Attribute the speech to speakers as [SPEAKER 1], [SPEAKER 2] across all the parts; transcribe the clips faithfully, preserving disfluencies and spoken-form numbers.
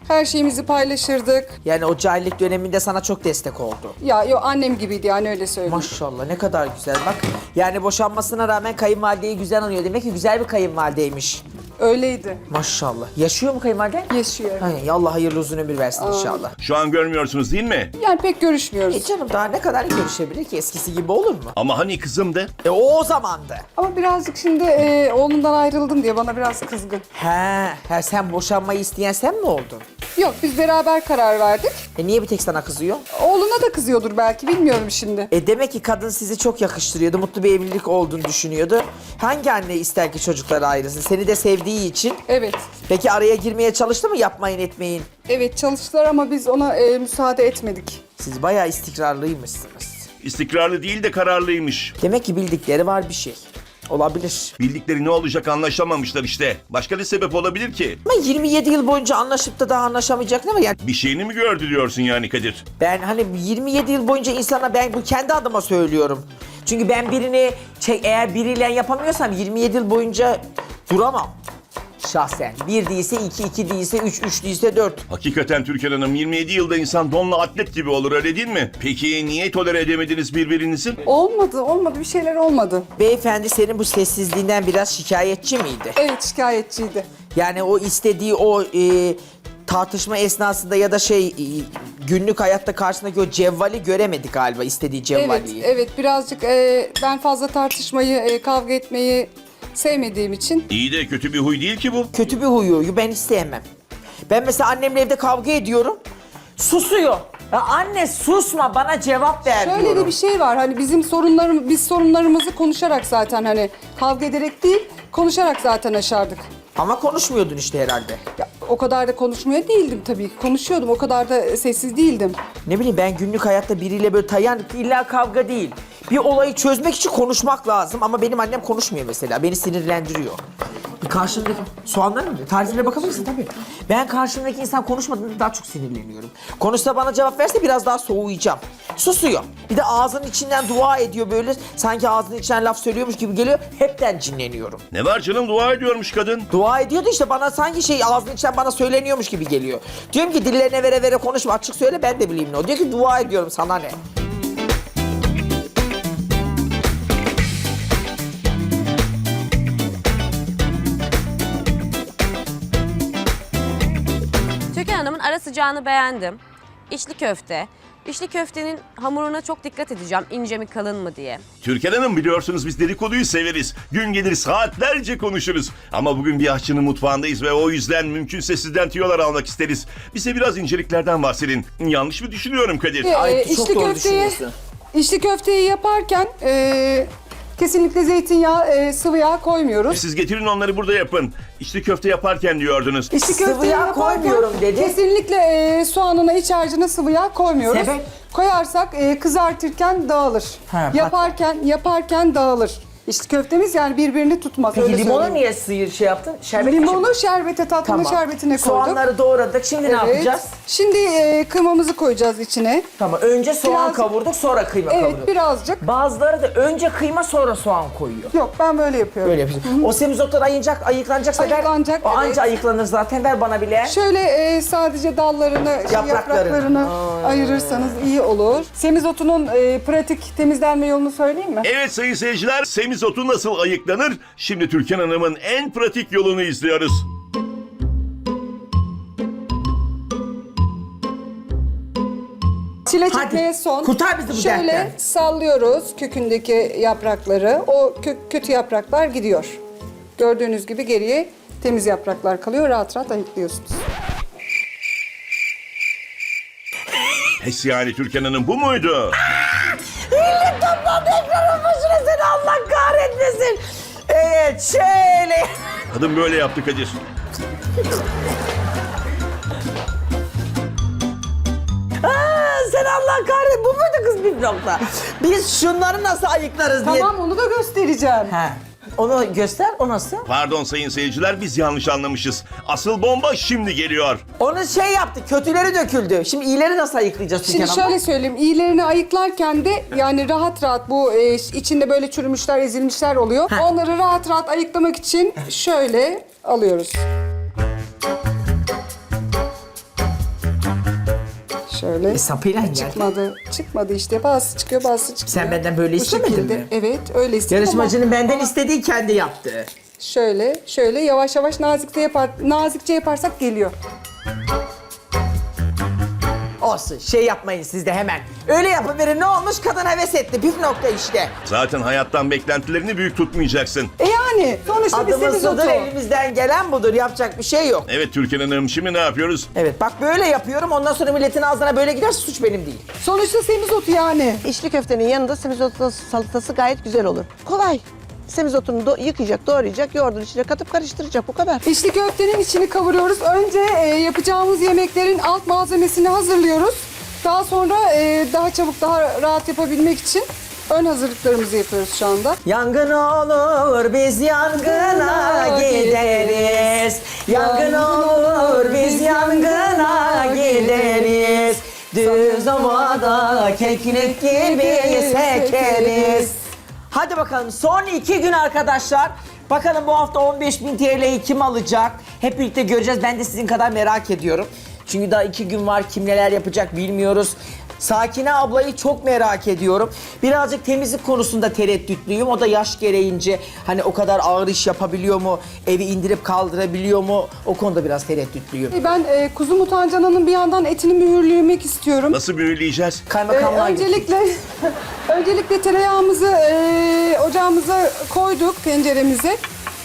[SPEAKER 1] Her şeyimizi paylaşırdık.
[SPEAKER 2] Yani o cahillik döneminde sana çok destek oldu.
[SPEAKER 1] Ya yo annem gibiydi yani öyle söyleyeyim.
[SPEAKER 2] Maşallah ne kadar güzel bak. Yani boşanmasına rağmen kayınvalideyi güzel anıyor. Demek ki güzel bir kayınvalideymiş.
[SPEAKER 1] Öyleydi.
[SPEAKER 2] Maşallah. Yaşıyor mu kayınvalide?
[SPEAKER 1] Yaşıyor.
[SPEAKER 2] Ay, Allah hayırlı uzun ömür versin inşallah.
[SPEAKER 3] Şu an görmüyorsunuz değil mi?
[SPEAKER 1] Yani pek görüşmüyoruz.
[SPEAKER 2] E canım daha ne kadar görüşebilir ki? Eskisi gibi olur mu?
[SPEAKER 3] Ama hani kızım de?
[SPEAKER 2] E o o zamandı.
[SPEAKER 1] Ama birazcık şimdi e, oğlumdan ayrıldım diye bana biraz kızgın.
[SPEAKER 2] He, he sen boşanmayı isteyen sen mi oldun?
[SPEAKER 1] Yok biz beraber karar verdik.
[SPEAKER 2] E niye bir tek sana kızıyor?
[SPEAKER 1] Oğluna da kızıyordur belki bilmiyorum şimdi.
[SPEAKER 2] E demek ki kadın sizi çok yakıştırıyordu. Mutlu bir evlilik olduğunu düşünüyordu. Hangi anne ister ki çocukları ayrılsın? Seni de sevdiği için.
[SPEAKER 1] Evet.
[SPEAKER 2] Peki araya girmeye çalıştı mı? Yapmayın etmeyin.
[SPEAKER 1] Evet çalıştılar ama biz ona e, müsaade etmedik.
[SPEAKER 2] Siz bayağı istikrarlıymışsınız.
[SPEAKER 3] İstikrarlı değil de kararlıymış.
[SPEAKER 2] Demek ki bildikleri var bir şey. Olabilir.
[SPEAKER 3] Bildikleri ne olacak anlaşamamışlar işte. Başka ne sebep olabilir ki?
[SPEAKER 2] Ama yirmi yedi yıl boyunca anlaşıp da daha anlaşamayacak ne var? Yani
[SPEAKER 3] Bir şeyini mi gördü diyorsun yani Kadir?
[SPEAKER 2] ben hani yirmi yedi yıl boyunca insana ben bu kendi adıma söylüyorum. Çünkü ben birini çek, eğer biriyle yapamıyorsam yirmi yedi yıl boyunca duramam. Şahsen. Bir değilse iki, iki değilse üç, üç değilse dört.
[SPEAKER 3] Hakikaten Türkan Hanım yirmi yedi yılda insan donla atlet gibi olur öyle değil mi? Peki niye tolere edemediniz birbirinizi?
[SPEAKER 1] Olmadı olmadı bir şeyler olmadı.
[SPEAKER 2] Beyefendi senin bu sessizliğinden biraz şikayetçi miydi?
[SPEAKER 1] Evet şikayetçiydi.
[SPEAKER 2] Yani o istediği o e, tartışma esnasında ya da şey e, günlük hayatta karşısındaki o cevvali göremedi galiba istediği
[SPEAKER 1] Evet
[SPEAKER 2] cevvaliyi.
[SPEAKER 1] evet birazcık e, ben fazla tartışmayı e, kavga etmeyi sevmediğim için.
[SPEAKER 3] İyi de kötü bir huy değil ki bu.
[SPEAKER 2] Kötü bir huyu ben isteyemem. Ben mesela annemle evde kavga ediyorum. Susuyor. Ya anne susma bana cevap ver
[SPEAKER 1] Şöyle
[SPEAKER 2] diyorum.
[SPEAKER 1] de bir şey var hani bizim sorunlarım biz sorunlarımızı konuşarak zaten hani kavga ederek değil konuşarak zaten aşardık.
[SPEAKER 2] Ama konuşmuyordun işte herhalde.
[SPEAKER 1] Ya, o kadar da konuşmaya değildim tabii ki konuşuyordum o kadar da sessiz değildim.
[SPEAKER 2] Ne bileyim ben günlük hayatta biriyle böyle tayan illa kavga değil. Bir olayı çözmek için konuşmak lazım ama benim annem konuşmuyor mesela. Beni sinirlendiriyor. Bir karşımdaki soğanlar mı? Tarifine bakabilirsin tabii. Ben karşımdaki insan konuşmadığında daha çok sinirleniyorum. Konuşsa bana cevap verse biraz daha soğuyacağım. Susuyor. Bir de ağzının içinden dua ediyor böyle. Sanki ağzının içinden laf söylüyormuş gibi geliyor. Hepten cinleniyorum.
[SPEAKER 3] Ne var canım dua ediyormuş kadın.
[SPEAKER 2] Dua ediyordu işte bana sanki şey ağzının içinden bana söyleniyormuş gibi geliyor. Diyorum ki dillerine vere vere konuşma açık söyle ben de bileyim ne o. Diyor ki dua ediyorum sana ne?
[SPEAKER 4] Türkan Hanım'ın ara sıcağını beğendim. İçli köfte. İçli köftenin hamuruna çok dikkat edeceğim. İnce mi kalın mı diye.
[SPEAKER 3] Türkan Hanım biliyorsunuz biz dedikoduyu severiz. Gün gelir saatlerce konuşuruz. Ama bugün bir aşçının mutfağındayız ve o yüzden mümkünse sizden tüyolar almak isteriz. Bize biraz inceliklerden bahsedin. Yanlış mı düşünüyorum Kadir?
[SPEAKER 1] Ee,
[SPEAKER 2] Ay, çok
[SPEAKER 1] içli
[SPEAKER 2] doğru
[SPEAKER 1] köfteyi,
[SPEAKER 2] düşünüyorsun.
[SPEAKER 1] içli köfteyi yaparken e, kesinlikle zeytinyağı, e, sıvı yağ koymuyoruz.
[SPEAKER 3] Siz getirin onları burada yapın. İçli köfte yaparken diyordunuz.
[SPEAKER 1] İçli
[SPEAKER 2] Sıvı
[SPEAKER 1] köfteyi
[SPEAKER 2] yağ
[SPEAKER 1] yaparken
[SPEAKER 2] koymuyorum dedi.
[SPEAKER 1] kesinlikle e, soğanına, iç harcına sıvı yağ koymuyoruz.
[SPEAKER 2] Sebep?
[SPEAKER 1] Koyarsak e, kızartırken dağılır.
[SPEAKER 2] Ha,
[SPEAKER 1] yaparken yaparken dağılır. İçli köftemiz yani birbirini tutmaz.
[SPEAKER 2] Peki
[SPEAKER 1] öyle
[SPEAKER 2] limonu
[SPEAKER 1] söyleyeyim.
[SPEAKER 2] niye sıyır şey yaptın? Şerbet
[SPEAKER 1] Limonu şerbete, tatlının şerbetine koyduk.
[SPEAKER 2] Soğanları doğradık. Şimdi ne
[SPEAKER 1] Evet.
[SPEAKER 2] yapacağız?
[SPEAKER 1] Şimdi e, kıymamızı koyacağız içine.
[SPEAKER 2] Tamam. Önce soğan
[SPEAKER 1] Biraz-
[SPEAKER 2] kavurduk, sonra kıyma
[SPEAKER 1] Evet
[SPEAKER 2] kavurduk.
[SPEAKER 1] birazcık.
[SPEAKER 2] Bazıları da önce kıyma sonra soğan koyuyor.
[SPEAKER 1] Yok ben böyle yapıyorum.
[SPEAKER 2] Öyle yapıyorsun. O semizotlar ayınacak, ayıklanacaksa
[SPEAKER 1] Ayıklanacak,
[SPEAKER 2] ver. O
[SPEAKER 1] evet.
[SPEAKER 2] anca ayıklanır zaten. Ver bana bile.
[SPEAKER 1] Şöyle e, sadece dallarını, şey,
[SPEAKER 2] Yapraklarını.
[SPEAKER 1] yapraklarını ayırırsanız iyi olur. Semizotunun e, pratik temizlenme yolunu söyleyeyim mi?
[SPEAKER 3] Evet sayın seyirciler, semizotu nasıl ayıklanır? Şimdi Türkan Hanım'ın en pratik yolunu izliyoruz.
[SPEAKER 1] Çile
[SPEAKER 2] Hadi,
[SPEAKER 1] çekmeye son.
[SPEAKER 2] kurtar bizi bu
[SPEAKER 1] Şöyle
[SPEAKER 2] dertten.
[SPEAKER 1] sallıyoruz kökündeki yaprakları. O kö- kötü yapraklar gidiyor. Gördüğünüz gibi geriye temiz yapraklar kalıyor. Rahat rahat ayıklıyorsunuz.
[SPEAKER 3] Pes yani Türkan Hanım bu muydu?
[SPEAKER 2] Millet toplandı ekranın başına seni Allah kahretmesin. Evet şöyle.
[SPEAKER 3] Kadın böyle yaptı Kadir.
[SPEAKER 2] Aa, sen Allah kahretmesin. Bu muydu kız bir nokta? Biz şunları nasıl ayıklarız diye.
[SPEAKER 1] Tamam onu da göstereceğim.
[SPEAKER 2] He. Onu göster, o nasıl?
[SPEAKER 3] Pardon sayın seyirciler biz yanlış anlamışız. Asıl bomba şimdi geliyor.
[SPEAKER 2] Onu şey yaptı, kötüleri döküldü. Şimdi iyileri nasıl ayıklayacağız
[SPEAKER 1] Şimdi
[SPEAKER 2] Türkan abla?
[SPEAKER 1] şöyle söyleyeyim, iyilerini ayıklarken de yani rahat rahat bu e, içinde böyle çürümüşler, ezilmişler oluyor.
[SPEAKER 2] Ha.
[SPEAKER 1] Onları rahat rahat ayıklamak için şöyle alıyoruz. Şöyle.
[SPEAKER 2] E, sapıyla geldi.
[SPEAKER 1] Çıkmadı. Çıkmadı işte. Bazısı çıkıyor, bazısı çıkmıyor.
[SPEAKER 2] Sen benden böyle
[SPEAKER 1] Bu
[SPEAKER 2] istemedin
[SPEAKER 1] şekilde.
[SPEAKER 2] mi?
[SPEAKER 1] Evet, öyle istedim
[SPEAKER 2] Yarışmacının
[SPEAKER 1] ama-
[SPEAKER 2] benden
[SPEAKER 1] ama
[SPEAKER 2] istediği kendi yaptı.
[SPEAKER 1] Şöyle, şöyle yavaş yavaş nazikçe yapar, nazikçe yaparsak geliyor.
[SPEAKER 2] Olsun şey yapmayın siz de hemen. Öyle yapıverin ne olmuş kadın heves etti. Püf nokta işte.
[SPEAKER 3] Zaten hayattan beklentilerini büyük tutmayacaksın.
[SPEAKER 1] E yani sonuçta bir
[SPEAKER 2] Adımız
[SPEAKER 1] semizotu.
[SPEAKER 2] budur elimizden gelen budur yapacak bir şey yok.
[SPEAKER 3] Evet Türkan Hanım, şimdi ne yapıyoruz?
[SPEAKER 2] Evet bak böyle yapıyorum ondan sonra milletin ağzına böyle giderse suç benim değil.
[SPEAKER 1] Sonuçta semizotu yani.
[SPEAKER 5] İçli köftenin yanında semizotu salatası gayet güzel olur. Kolay. Semizotunu do- yıkayacak, doğrayacak, yoğurdun içine katıp karıştıracak bu kadar.
[SPEAKER 1] İçli köftenin içini kavuruyoruz. Önce e, yapacağımız yemeklerin alt malzemesini hazırlıyoruz. Daha sonra e, daha çabuk, daha rahat yapabilmek için ön hazırlıklarımızı yapıyoruz şu anda.
[SPEAKER 2] Yangın olur biz yangına gideriz. Yangın olur biz yangına gideriz. Düz ovada keklik gibi sekeriz. Hadi bakalım son iki gün arkadaşlar. Bakalım bu hafta on beş bin T L'yi kim alacak? Hep birlikte göreceğiz. Ben de sizin kadar merak ediyorum. Çünkü daha iki gün var. Kim neler yapacak bilmiyoruz. Sakine ablayı çok merak ediyorum. Birazcık temizlik konusunda tereddütlüyüm. O da yaş gereğince hani o kadar ağır iş yapabiliyor mu? Evi indirip kaldırabiliyor mu? O konuda biraz tereddütlüyüm.
[SPEAKER 1] Ben e, kuzu mutancananın bir yandan etini mühürlemek istiyorum.
[SPEAKER 3] Nasıl mühürleyeceğiz?
[SPEAKER 1] Ee,
[SPEAKER 2] Kaymakamlar gibi.
[SPEAKER 1] öncelikle öncelikle tereyağımızı e, ocağımıza koyduk, tenceremize.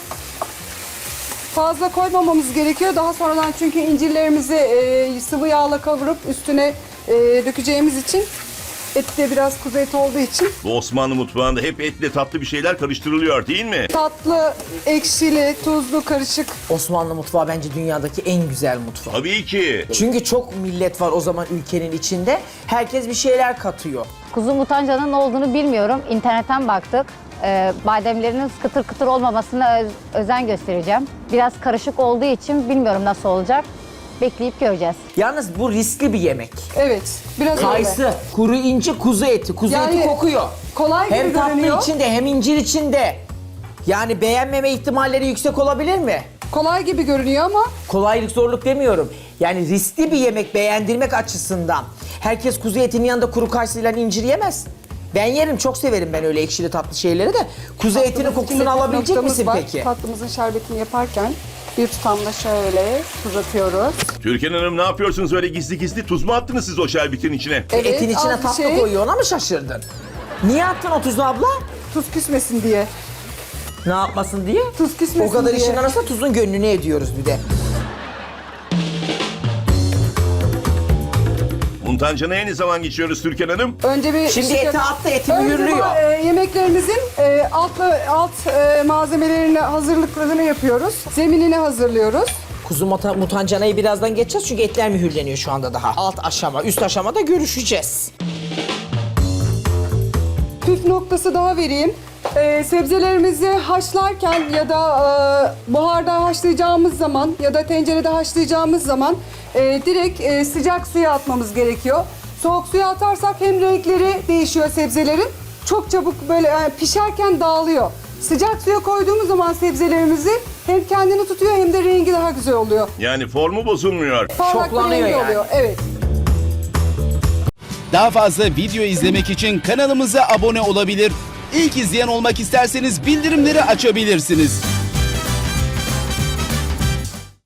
[SPEAKER 1] Fazla koymamamız gerekiyor. Daha sonradan çünkü incirlerimizi e, sıvı yağla kavurup üstüne e, dökeceğimiz için et de biraz kuzu eti olduğu için
[SPEAKER 3] Bu Osmanlı mutfağında hep etle tatlı bir şeyler karıştırılıyor değil mi?
[SPEAKER 1] tatlı, ekşili, tuzlu karışık.
[SPEAKER 2] Osmanlı mutfağı bence dünyadaki en güzel mutfak.
[SPEAKER 3] Tabii ki.
[SPEAKER 2] Çünkü çok millet var o zaman ülkenin içinde. Herkes bir şeyler katıyor.
[SPEAKER 6] Kuzu mutancanın ne olduğunu bilmiyorum. İnternetten baktık. Ee, bademlerinin kıtır kıtır olmamasına öz- özen göstereceğim. Biraz karışık olduğu için bilmiyorum nasıl olacak. Bekleyip göreceğiz.
[SPEAKER 2] Yalnız bu riskli bir yemek.
[SPEAKER 1] Evet, biraz öyle.
[SPEAKER 2] Kayısı, kuru inci, kuzu eti. Kuzu
[SPEAKER 1] Yani
[SPEAKER 2] eti kokuyor.
[SPEAKER 1] kolay gibi
[SPEAKER 2] Hem tatlı
[SPEAKER 1] görünüyor.
[SPEAKER 2] içinde hem incir içinde. Yani beğenmeme ihtimalleri yüksek olabilir mi?
[SPEAKER 1] Kolay gibi görünüyor ama
[SPEAKER 2] Kolaylık zorluk demiyorum. Yani riskli bir yemek beğendirmek açısından. Herkes kuzu etinin yanında kuru kayısıyla incir yemez. Ben yerim, çok severim ben öyle ekşili tatlı şeyleri de. Kuzu etinin
[SPEAKER 1] tatlımız
[SPEAKER 2] kokusunu
[SPEAKER 1] içinde püf
[SPEAKER 2] alabilecek
[SPEAKER 1] noktamız
[SPEAKER 2] misin
[SPEAKER 1] var.
[SPEAKER 2] peki?
[SPEAKER 1] Tatlımızın şerbetini yaparken bir tutamda şöyle tuz atıyoruz.
[SPEAKER 3] Türkan Hanım ne yapıyorsunuz öyle gizli gizli? Tuz mu attınız siz o şerbetin içine?
[SPEAKER 1] Evet,
[SPEAKER 2] Etin içine
[SPEAKER 1] az bir
[SPEAKER 2] tatlı
[SPEAKER 1] şey.
[SPEAKER 2] koyuyor, ona mı şaşırdın? Niye attın o tuzu abla?
[SPEAKER 1] Tuz küsmesin diye.
[SPEAKER 2] Ne yapmasın diye?
[SPEAKER 1] Tuz küsmesin
[SPEAKER 2] O kadar
[SPEAKER 1] diye.
[SPEAKER 2] işin arasında tuzun gönlünü ediyoruz bir de.
[SPEAKER 3] Muntancana'ya ne zaman geçiyoruz Türkan Hanım?
[SPEAKER 1] Önce bir
[SPEAKER 2] Şimdi
[SPEAKER 1] işte-
[SPEAKER 2] eti attı, eti
[SPEAKER 1] Önce
[SPEAKER 2] mühürlüyor.
[SPEAKER 1] ma- e, yemeklerimizin e, alt, alt e, malzemelerini hazırlıklarını yapıyoruz. Zeminini hazırlıyoruz.
[SPEAKER 2] Kuzu muta- mutancanayı birazdan geçeceğiz çünkü etler mühürleniyor şu anda daha. Alt aşama, üst aşamada görüşeceğiz.
[SPEAKER 1] Püf noktası daha vereyim. E, sebzelerimizi haşlarken ya da e, buharda haşlayacağımız zaman ya da tencerede haşlayacağımız zaman e, direkt e, sıcak suya atmamız gerekiyor. Soğuk suya atarsak hem renkleri değişiyor sebzelerin. Çok çabuk böyle yani pişerken dağılıyor. Sıcak suya koyduğumuz zaman sebzelerimizi hem kendini tutuyor hem de rengi daha güzel oluyor.
[SPEAKER 3] Yani formu bozulmuyor.
[SPEAKER 1] Parlak bir
[SPEAKER 2] Şoklanıyor
[SPEAKER 1] rengi
[SPEAKER 2] yani.
[SPEAKER 1] oluyor. Evet.
[SPEAKER 7] Daha fazla video izlemek için kanalımıza abone olabilir. İlk izleyen olmak isterseniz bildirimleri açabilirsiniz.